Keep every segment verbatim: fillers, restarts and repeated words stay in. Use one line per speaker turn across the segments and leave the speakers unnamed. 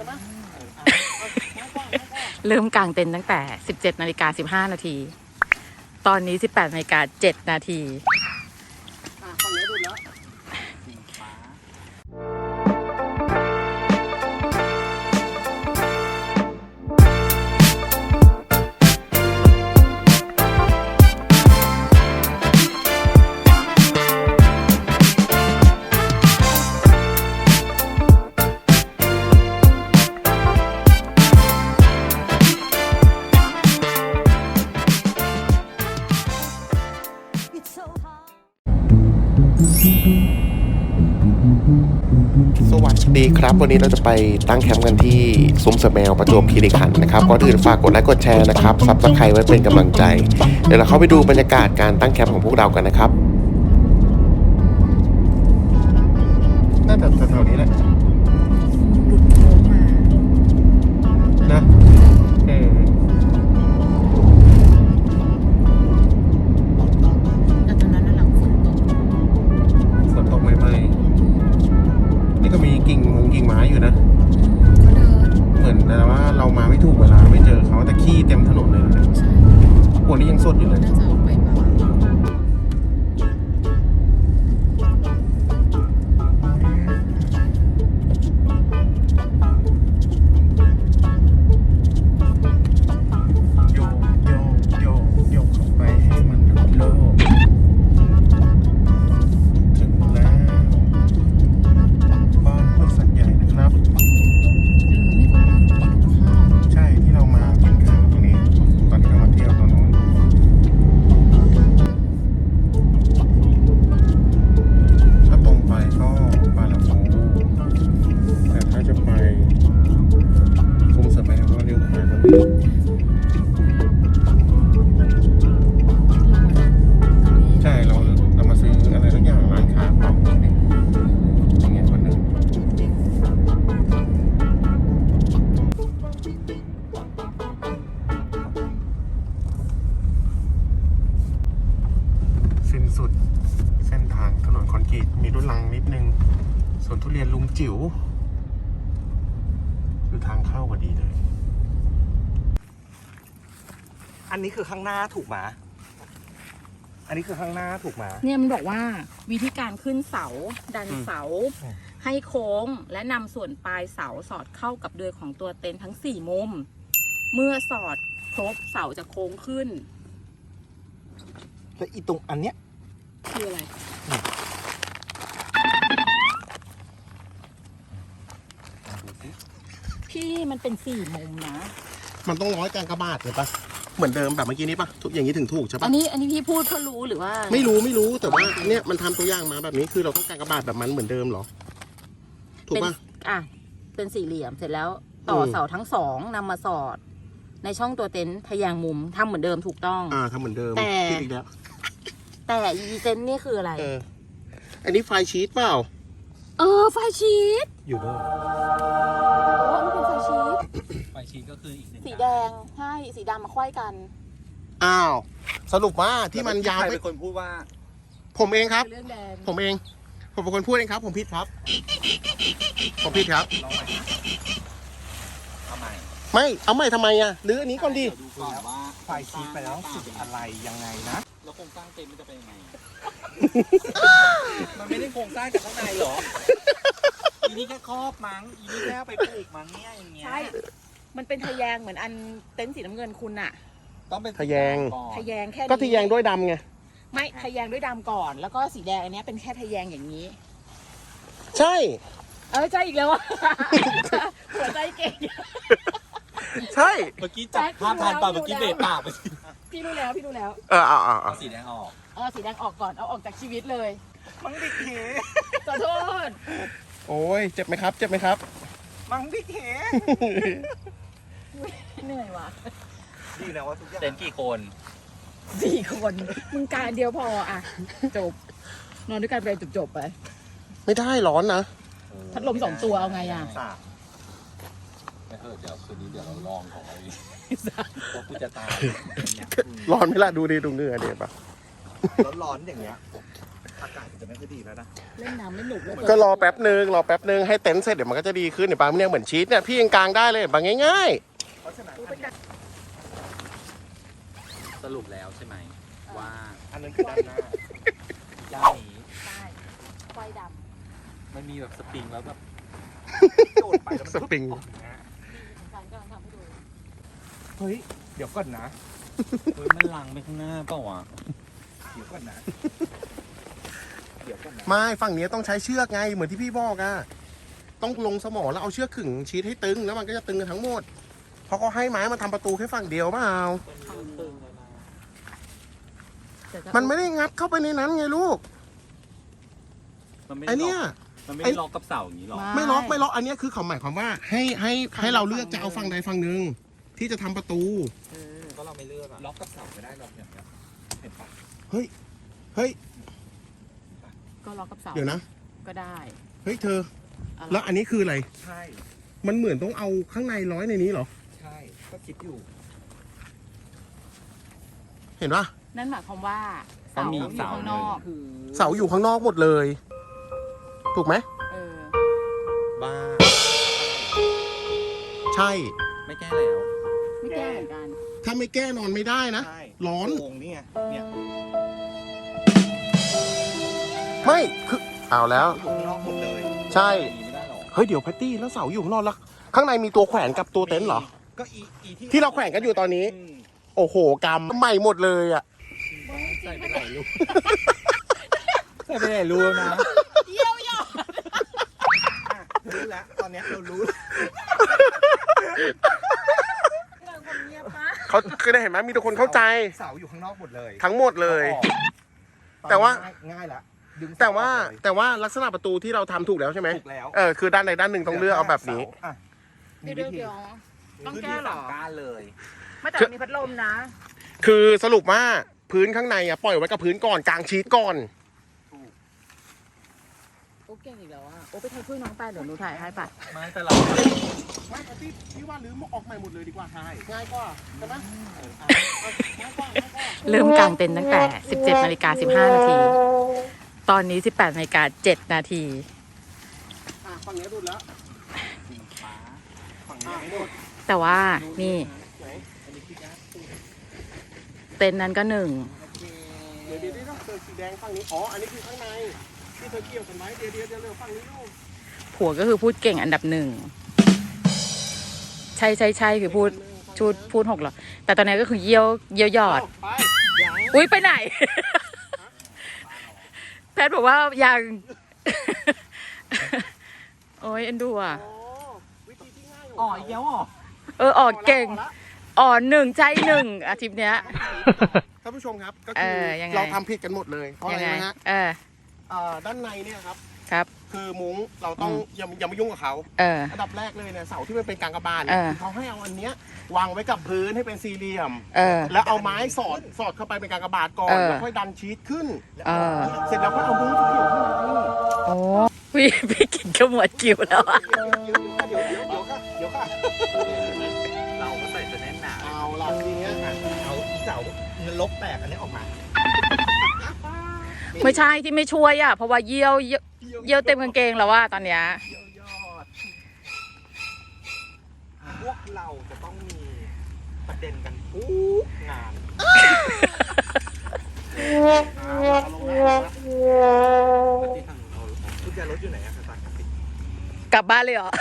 ช่ไหม
เริ่มกางเต็นท์ตั้งแต่ สิบเจ็ดนาฬิกาสิบห้านาที ตอนนี้ สิบแปดนาฬิกาเจ็ดนาที
ฝั่งนี้ดูแล้ว
สวัสดีครับวันนี้เราจะไปตั้งแคมป์กันที่ซุ้มเสือแมวประจวบคีรีขันธ์นะครับก่อนอื่นฝากกดไลค์กดแชร์นะครับซับสไครต์ไว้เป็นกำลังใจเดี๋ยวเราเข้าไปดูบรรยากาศการตั้งแคมป์ของพวกเรากันนะครับน่าจะแถวๆนี้แหละ
หลุดโค้งมา
นะเออ
แต่ตอนนั้นน่ะหลังฝนตก
ฝนตกใหม่ๆนี่ก็มีกิ่งมงกิ่งไม้อยู่นะเหมือนนะว่าเรามาไม่ถูกเวลาไม่เจอเขาแต่ขี้เต็มถนนเลยนะพวกนี้ยังสดอยู่เลย
น่าจะออกไปบ้าง
โยกโยกโยกโยกเข้าไปให้มันหลุดโลกถึงแล้วบ้านห้วยสัตว์ใหญ่นะครับใช่ที่เรามากินข้าวตรงนี้ตอนที่เรามาเที่ยวตรงนู้นถ้าตรงไปก็บางลำพูแต่ถ้าจะไปซุ้มเสือแมวก็เลี้ยวขวาตรงนี้ใช่เราเรามาซื้ออะไรสักอย่างร้านค้าเปล่าอย่างเงี้ยคนหนึ่งสิ้นสุดเส้นทางถนนคอนกรีตมีรถลังนิดนึงสวนทุเรียนลุงจิ๋วคือทางเข้าพอดีเลย
อันนี้คือข้างหน้าถูกไหมอันนี้คือข้างหน้าถูกไหม
เนี่ยมันบอกว่าวิธีการขึ้นเสาดันเสาให้โค้งและนำส่วนปลายเสาสอดเข้ากับเดือยของตัวเต็นท์ทั้งสี่มุมเมื่อสอดครบเสาจะโค้งขึ้น
แล้วอีตรงอันเนี้ย
คืออะไรพี่มันเป็นสี่มุมนะ
มันต้องร้อยกลางกระบาดเลยปะเหมือนเดิมแบบเมื่อกี้นี้ปะทุกอย่างนี้ถึงถูกใช่ปะ
อันนี้อันนี้พี่พูดเพื่อรู้หรือว่า
ไม่รู้ไม่รู้แต่ว่าเนี่ยมันทำตัวอย่างมาแบบนี้คือเราต้องการกระบาดแบบมันเหมือนเดิมเหรอถูกปะ
อ่ะเป็นสี่เหลี่ยมเสร็จแล้วต่อเสาทั้งสองนำมาสอดในช่องตัวเต็นท์ทะแยงมุมทำเหมือนเดิมถูกต้อง
อ่าทำเหมือนเดิม
แต่
อีกแล้ว
แต่อีเต็นท์นี่คืออะไร
เอออันนี้ไฟชีตเปล่า
เออไฟชีต
อยู่ด้วย
โอ้นี่เป็นไฟชีต
ไฟชีตก็คืออีกหนึ่ง
สีแดงใช่สีดำมาควยกัน
อ้าวสรุปว่าที่มันยาว
เป็นคนพูดว่า
ผมเองครับผมเองผมเป็นคนพูดเองครับผมผิดครับผมผิดครับ
ทำไม
ไม่เอาไม่ทำไมอ่ะหรืออันนี้ก่อนดี
ดูก่อนว่าไฟชีตไปแล้วสุดอะไรยังไงนะแล้วโครงสร้างเต็มมันจะเป็นยังไงมันไม่ได้โครงสร้างจากข้างในหรออีนี่แค่ครอบมั้งอีนี่แค่ไปปลูกมั้งเนี่ยอย่างเงี้ย
ใช่มันเป็นทะแยงเหมือนอันเต็นท์สีน้ำเงินคุณอะ
ต้องเป็น
ทะแยง
ทะแยงแค่
ก็ทะแยงด้วยดำไง
ไม่ทะแยงด้วยดำก่อนแล้วก็สีแดงอันนี้เป็นแค่ทะแยงอย่างนี้
ใช่
เออใช่อีกแล้วอะหัวใจเก่ง
ใช่
เมื่อกี้จับภาพทันป่ะเมื่อกี้เบรกปากไป
พี่รู้แล้วพี่รู้แล้ว
เออเอาเอา
เอาสีแดงออก
เออสีแดงออกก่อนเอาออกจากชีวิตเลย
มังดิเข
ขอโทษ
โอ้ยเจ็บไหมครับเจ็บไหมครับ
มังดิเข
เหนื่อยว่ะ
ดีนะว่าทุกอย่างเต็นกี่คน
สี่คนมึงการเดียวพออ่ะจบนอนด้วยกันไปจบๆไป
ไม่ได้ร้อนนะ
พัดลมสองตัวเอาไงอ่ะ
ไม่เถอะเดี๋ยวคืนนี้เดี๋ยวเราลองของไอ้ว่ากูจะตาย
ร้อนไหมล่ะดูดิดูเหงื่อเดี๋ยวปะ
ร้อนๆอย่างเงี้ยอากาศจะไม่ค่อยดีแล้วนะ
เล่นน้ำไม่หนุกเลย
ก็รอแป๊บนึงรอแป๊บนึงให้เต็นท์เสร็จเดี๋ยวมันก็จะดีขึ้นเดี๋ยวบางเนี่ยเหมือนชีสเนี่ยพี่ยังกลางได้เลยบางง่าย
เพราะฉะนั้นสรุปแล้วใช่ไหมว่าอันนั้นคือด้านหน้าด้านนี้
ใช่ไฟด
มันมีแบบสปริงแล้วแบบโดดไปแล้วมัน
สปริง
ออกอย่างเงี้ย
ำฉันกำลังทำให้ดู
เฮ้ยเดี๋ยวก่อนนะเฮ้ยมันลังไปข้างหน้าเปล่าวะเดี๋ยวก่อนนะเดี๋ยวก่อนนะ
ไม่ฝั่งนี้ต้องใช้เชือกไงเหมือนที่พี่บอกอะต้องลงสมอแล้วเอาเชือกขึงชีสให้ตึงแล้วมันก็จะตึงกันทั้งหมดเพราะเขาให้ไม้มาทำประตูแค่ฝั่งเดียวเปล่ามันไม่ได้งัดเข้าไปในนั้นไงลูก
มันไม่
ไอ
ได้ล็
เนี้ย
อกมันไม่
ไอ้
ได้ล็อกกับเสาอย่างนี้หรอ
ไม่ล็อกไม่ล็อกอันเนี้ยคือเขาหมายความว่าให้ให้ให้เราเลือกจะเอาฝั่งใดฝั่งหนึ่งที่จะทำประตู
เออ
ก็เราไม่เลือกอะล็อกกับเสาไม่ได้หรอกอย่างเงี้ยเห็นปะ
เฮ้ยเฮ้ย
ก็ล็อกกับเสา
เดี๋ยวนะ
ก็ได้
เฮ้ยเธอ
อะไร
แล้วอันนี้คืออะไร
ใช่
มันเหมือนต้องเอาข้างในร้อยในนี้เหรอ
ใช่ก็คิดอยู่
เห็นปะ
นั่นหมายความว่าเสา
มี
อยู่
เสา
ข้างนอก
คือ
เสาอยู่ข้างนอกหมดเลย ถูกไหม
เออ
บ้า
ใช่
ไม่แก้แล้ว
ไม่แก้เหมือนกัน
ถ้าไม่แก้นอนไม่ได้นะ
ใช่
ร้อน
โงนี่ไงเนี่ย
ไม่คือเอาแล้ว
อยู่ข้างนอกหมดเลย
ใช่
มีไม่ได้หรอ
เฮ้ยเดี๋ยวแพตตี้แล้วเสาอยู่ข้างนอกแล้วข้างในมีตัวแขวนกับตัวเต็นท์เหรอ
ก็อีอีที่
ที่เราแขวนกันอยู่ตอนนี้
อืม
โอ้โหกรรมใหม่หมดเลยอ่ะ
ใส่ไปหลายรูใส่ไปหลายรูนะ
เยี่ยวหยอด
รู้แล้วตอนเนี้ยเรารู้
เราคนเงียบปะ
เขาคือได้เห็นไหมมีทุกคนเข้าใจ
เสาอยู่ข้างนอกหมดเลย
ทั้งหมดเลย
อาออก
แต่ว่า
ง่ยง่ายละดึงเส
แต่ว่า
ออกเลย
แต่ว่าลักษณะประตูที่เราทำถูกแล้วใช่ไหม
ถูกแล้ว
เออคือด้านใดด้านหนึ่งต้องเลือกเอาแบบนี้
อ่ะ
เดี๋ยวเดี๋ยวเดี๋ยวต้องแก้เหรอ
มีวิธีสั่งการเลย
ไม่แต่มีพัดลมนะ
คือสรุปว่าพื้นข้างในอ่ะปล่อยไว้กับพื้นก่อนกลางชีตก่อน
โอ้เก่งอีกแล้วอ่ะโอ้ไปถ่ายช่วยน้องไปเดี๋ยวหนูถ่ายให้ปะ
ไม่แต่เรา
ไม่แพตตี้พี่ว่าลืมออกใหม่หมดเลยดีกว่าใช่ง่ายกว่าใช่ไหม
เริ่มกางเต็นท์ตั้งแต่ สิบเจ็ดนาฬิกาสิบห้า นาที ตอนนี้ สิบแปดนาฬิกาเจ็ด นาที
อ่ะฝั่งนี้ดูดแล้ว
สีฟ้าฝั่ง
อ่ะ
นี้
หมด
แต่ว่านี่
ไหน
อันนี้คือยากสุด
เต็นท์นั้นก็หนึ่ง
เดี๋ยวเดี๋ยวเดี๋ยวเธอสีแดงฝั่งนี้อ๋ออันนี้คือข้างในที่เธอเกี่ยวกันไว้เดี๋ยวเดี๋ยวเดี๋ยวเร็วฝั่งนี้ลูก
ผัวก็คือพูดเก่งอันดับหนึ่ง ใช่ใช่ใช่คือพูดชูดพูดหกหรอ แต่ตอนนี้ก็คือเยี่ยวเยี่ยวหยอด
ไปยัง
อุ้ยไปไหน แพทย์บอกว่ายัง โอ้ยเอ็นดูอ่ะ
อ๋อวิธีที่ง่าย
อ๋ออีกแล้วเหรอ
เออออกเก่ง อ่อนหนึ่งใจหนึ่งอาทิตย์เนี้ย
ท่านผู้ชมครับก็
เอ
คือ
อยังไง
เราทำผิดกันหมดเลยเพราะอะ
ยั
ไร
ไง
นะฮะ
เออ
เอ่อด้านในเนี่ยครับ
ครับ
คือมุ้งเราต้อง
อืม
อย่าอย่ามายุ่งกับเขา
เออ
อันดับแรกเลยเนี่ยเสาที่มันเป็นกางกระบาล
เอ
เนี่ย
อ
คือเขาให้เอาอันเนี้ยวางไว้กับพื้นให้เป็นสี่เหลี่ยม
เออ
แล้วเอาไม้สอดสอดเข้าไปเป็นกางกระบาดก่อน
เออ
แล้วค่อยดันชีสขึ้น
เออ
เสร็จแล้วก็เอามุ้งที่เกี่ยวข้างใน
โอ้พี่พี่กินขมวดกิวแล้วอะ
เดี๋ยวเดี๋ยวเดี๋ยวเดี๋ยวเดี๋ยวค่ะเดี๋ยวค่ะ
เราก็ใส่จะแน่นหนา
เอาล่ะทีเนี้ยอ่ะ
เอาอีเสาเงินลบแตกอันนี้ออกมา
ไม่ใช่ที่ไม่ช่วยอ่ะ เพราะว่าเยี่ยวเยี่ยวเยี่ยวเต็มกางเกงแล้วว่าตอนเนี้ย
เยี่ยวยอดพวกเราจะต้องมีประเด็นกันทุกงาน
เอาลงแล้ว
ที่ทางเรากุญแจรถอยู่ไหนอะคะตากติ
กลับบ้านเลยเหรอ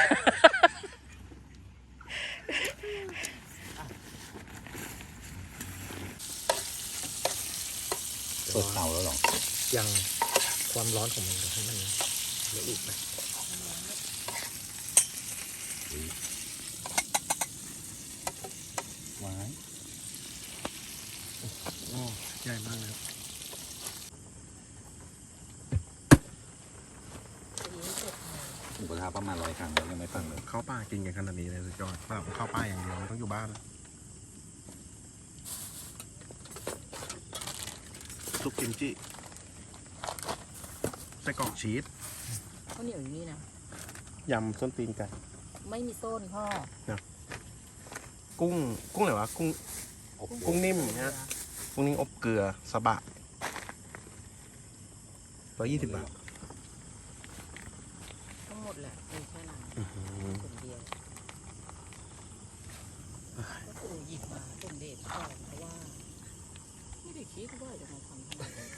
เปิดเตาแล้วหรอ ยังความร้อนของมันให้มันละอุไปว้าย
โอ้ใหญ่มากเลย
หมูกระทะประมาณร้อยครั้งแล้วยังไม่ฟังเลย
เข้าป่ากินกันขนาดนี้เลยสุดยอดสำหรับเข้าป่าอย่างเดียวมันต้องอยู่บ้านซุปกิมจิไส้กรอกชีส
ข้าวเหนียวอยู่นี่นะ
ยำส้นตีนไก่
ไม่มีส้นพ่อ
กุ้งกุ้งอะไรวะกุ้งกุ้งนิ่มนะกุ้งนิ่มอบเกลือสะบะร้อยยี่สิบบาท
ทั้งหมดแหละมีแค่นั้น
อื้อหือ
คนเดียวก็คือหยิบมาส่งเดชก่อนเพราะว่า ไม่ได้คิดว่าจะมาทำขนาดนี้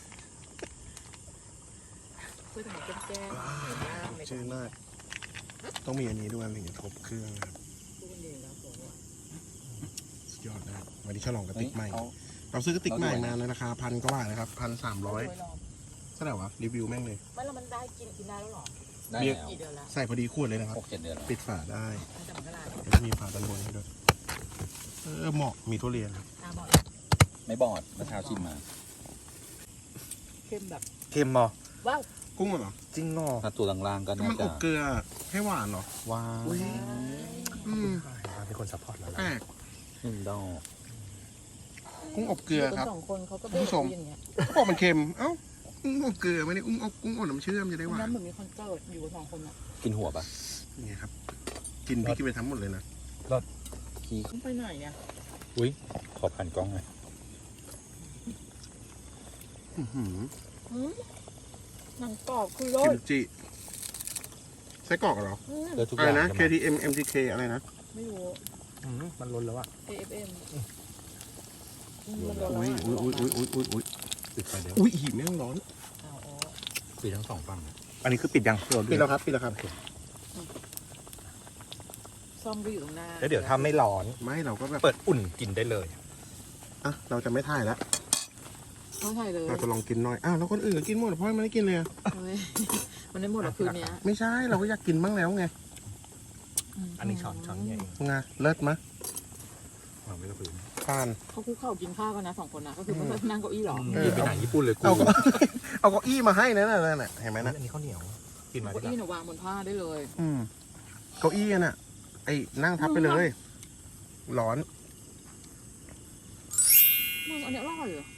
เพื่อทำให้แจ้งๆเห็นหน้าไม่
ชื่อมาก ต้องมีอันนี้ด้วยถึงจะทบเครื่องครับ
พูดเองแล้วบอกว่า
สุดยอดนะครับวันนี้ฉลองกระติกใหม่
เฮ้ย
เราซื้อกระติกใหม่
เราด้วย
มาในราคาพันกว่าบาทนะครับพันสามร้อย
โดยรอบ
เท่าไหร่วะรีวิวแม่งเลย
ไม่แล้วมันได้กินกินได้แล้วเหรอ
ได้
เบียร์
แล้ว
กี่เดือนแล้ว
ใส่พอดีขวดเลยนะครับ
หกเจ็ดเดือนแล้ว
ปิดฝาได้
ตั้งแต่มกรา
แล้วก็มีฝาด้านบนให้ด้วยเออเหมาะมีทุเรียนครับ
ตาบอด
ไม่บอดเมื่อเช้าชิมมา
เข้มแบบ
เค็มเหรอ
ว้าว
กุ้งเหรอจริงเหรอ
ถ้าตัวล่างๆก็
ก็
น่า
มันอ
จะ
บเกลือให้หวานเหรอ
ว้าว
อืม
เป็นคนซัพพอร์ตเรา
แปลก
หนึ่งดอก
กุ้งอบเกลือครับ
สองคนเขาก็
คุณผู้ชม
อย่างเงี้ย
เขาบอกมันเค็มเอ้ากุ้งอบเกลือไม่ได้กุ้งอบกุ้งอบน้ำเชื่อมจะได้ห
วัน
วา
นั้น นเหมือนมีคอนเสิร์ตอยู่กับสองคนอ่ะ
กินหัวปะ
นี่ครับกินพี่กินไปทั้งหมดเลยนะ
ขี้
ต้องไปไหนเนี่ย
อุ้ยขอผ่านกล้องหน่อย
อื้อหือ
หืมหนังกรอบคือร
กิ
ส
มจิไส้กรอกเหรอ
อืม
เลือทุกอ
อะไร
ย่าง
นะ
ใช่
เค
ไหม
ที เอ็ม เอ็ม ที เค อะไรนะ
ไม่รู้
มันล้นแล้วอะ
เอ เอฟ เอ็ม มันร้อน
อุ้ย
แล้ว
อุ้ยอุ้ยอุ้ยอุ้ยอุ้ย
ปิดไฟเดี๋ยว
อุ้ยหีบแม่งร้อน
อ๋ออ๋อ
ปิดทั้งสองฝั่ง
อันนี้คือปิดยัง
ปิดแล้วครับปิดแล้วครับ
ซ่อมก็อยู่ตรงหน้า
แล้วเดี๋ยวถ้าไม่ร้อน
ไม่เราก็แบบ
เปิดอุ่นกินได้เลย
อ่ะเราจะไม่ถ่ายแล้ว
เขาถ่ายเลย
เราจะลองกินหน่อยอ้าวแล้วคนอื่นก็กินหมดเพราะมันไม่ได้กินเลยอะ
เฮ้ยมันได้หมดแล้วคืนเนี้ย
ไม่ใช่เราก็อยากกินบ้างแล้วไง
อันนี้ช้อนช้อนใหญ่
ไงเลิศมะ
วางไว้กับพื้น
ทาน
เขาคุกเข่ากินข้าวกันนะสองคนนะก็คือไม่เคยนั่งเก้าอี้หรอ
เออ
นี่เป็นหนังญี่ปุ่นเลยกู
เอาก็ เอาเก้าอี้มาให้นะนั่นน่ะเห็นไหมนะ
อันนี้ข้าวเหนียว กินมา
เก้า
ได้
อี้เนี่ยวางบนผ้าได้เลย
อืมเก้าอี้น่ะ ไอ้นั่งทับไปเลย ร้อน
มึงอันเนี้ยอร่อยเหรอ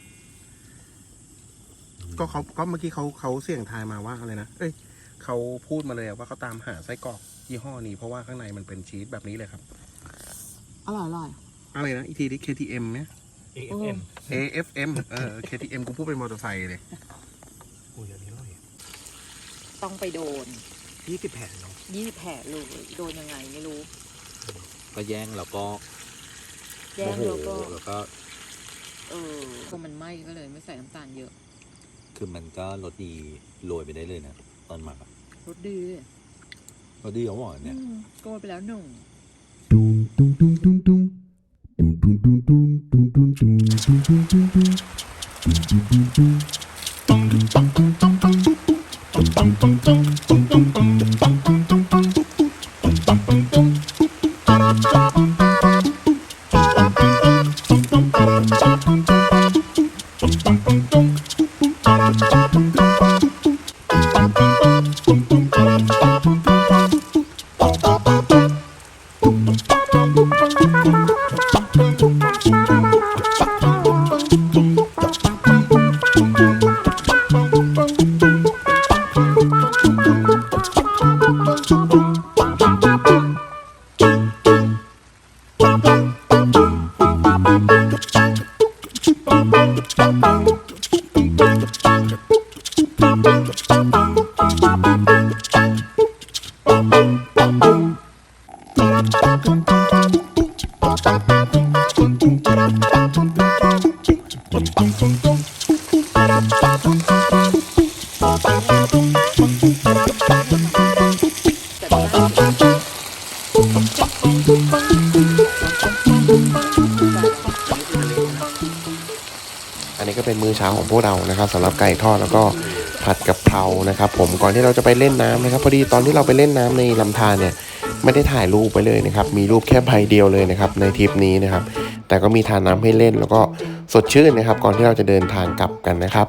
ก็เขาก็เมื่อกี้เขาเขาเสี่ยงทายมาว่าอะไรนะ เอ้ยเขาพูดมาเลยอะว่าเขาตามหาไส้กรอกยี่ห้อนี้เพราะว่าข้างในมันเป็นชีสแบบนี้เลยครับ
อร่อยอร่อย
อะไรนะ อีกทีดิ เค ที เอ็ม เนี่ย
เอฟเอ็ม
เอ เอฟ เอ็ม เออ เค ที เอ็ม กูพูดเป็นมอเตอร์ไซค์เลย
อุ้ยอันนี้อร่อย
ต้องไปโดน
ยี่สิบแผ่นเนาะ
ยี่สิบแผลเลยโดนยังไงไม่รู้
ก็แย่งแล้วก็
แย่ง
โม
แล้ว
โห
ก็
แล้วก็
เออพอมันไหม้ก็เลยไม่ใส่น้ำตาลเยอะ
คือมันก็รสดีโรยไปได้เลยนะตอนหมักอะ
รสดีเลย
รสดีเขาบอกเนี่ย
อืมโกยไปแล้วหนึ่ง
Dum dum dum dum dum. Dum dum dum dum dum dum dum dum dum dum dum. Dum dum dum dum. Dum dum dum dum dum dum. Dum dum dum dum dum dum dum dum dum dum dum dum. Dum dum dum dum.
Hãy subscribe cho kênh Ghiền Mì Gõ Để không bỏ lỡ
อันนี้ก็เป็นมื้อเช้าของพวกเรานะครับสำหรับไก่ทอดแล้วก็ผัดกับเพรานะครับ ผมก่อนที่เราจะไปเล่นน้ำนะครับพอดีตอนที่เราไปเล่นน้ำในลำธารเนี่ยไม่ได้ถ่ายรูปไปเลยนะครับมีรูปแค่ใบเดียวเลยนะครับในทริปนี้นะครับแต่ก็มีทานน้ำให้เล่นแล้วก็สดชื่นนะครับก่อนที่เราจะเดินทางกลับกันนะครับ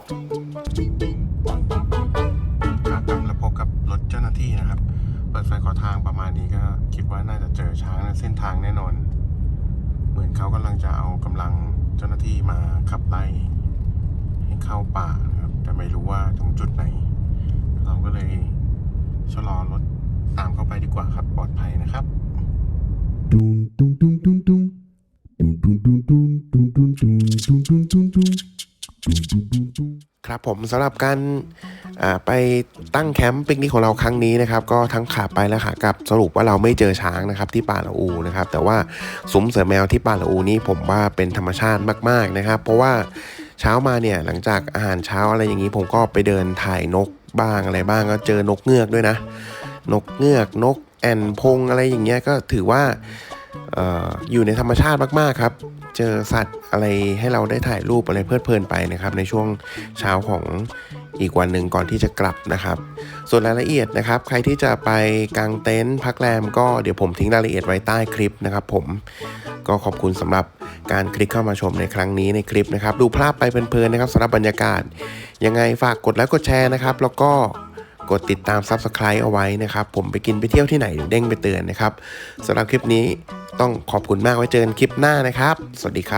แล้วพบกับรถเจ้าหน้าที่นะครับเปิดไฟขอทางประมาณนี้ก็คิดว่าน่าจะเจอช้างในเส้นทางแน่นอนเหมือนเขากำลังจะเอากำลังเจ้าหน้าที่มาขับไล่ให้เข้าป่านะครับแต่ไม่รู้ว่าตรงจุดไหนเราก็เลยชะลอรถตามเข้าไปดีกว่าครับปลอดภัยนะครับ
Dum dum dum dum dum. Dum dum dum dum dum dum dum dum dum dum dum. Dum dum dum dum.
ครับผมสำหรับการอ่าไปตั้งแคมป์ปิกนิกของเราครั้งนี้นะครับก็ทั้งขาไปและขากลับสรุปว่าเราไม่เจอช้างนะครับที่ป่าละอูนะครับแต่ว่าซุ้มเสือแมวที่ป่าละอูนี้ผมว่าเป็นธรรมชาติมากๆนะครับเพราะว่าเช้ามาเนี่ยหลังจากอาหารเช้าอะไรอย่างนี้ผมก็ไปเดินถ่ายนกบ้างอะไรบ้างก็เจอนกเงือกด้วยนะนกเงือกนกแอ่นพงอะไรอย่างเงี้ยก็ถือว่าเอ่ออยู่ในธรรมชาติมากๆครับเจอสัตว์อะไรให้เราได้ถ่ายรูปอะไรเพลิดเพลินไปนะครับในช่วงเช้าของอีกวันหนึ่งก่อนที่จะกลับนะครับส่วนรายละเอียดนะครับใครที่จะไปกางเต็นท์พักแรมก็เดี๋ยวผมทิ้งรายละเอียดไว้ใต้คลิปนะครับผมก็ขอบคุณสำหรับการคลิกเข้ามาชมในครั้งนี้ในคลิปนะครับดูภาพไปเพลินๆนะครับสำหรับบรรยากาศยังไงฝากกดไลค์กดแชร์นะครับแล้วก็กดติดตาม ซับสไครบ์ เอาไว้นะครับผมไปกินไปเที่ยวที่ไหนเดี๋ยวเด้งไปเตือนนะครับสำหรับคลิปนี้ต้องขอบคุณมากไว้เจอกันคลิปหน้านะครับสวัสดีครับ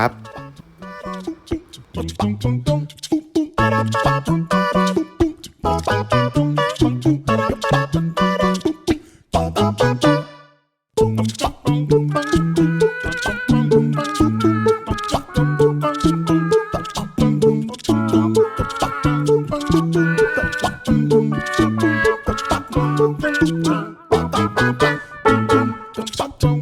Bum, bum, bum, bum, bum, bum, bum, bum, bum.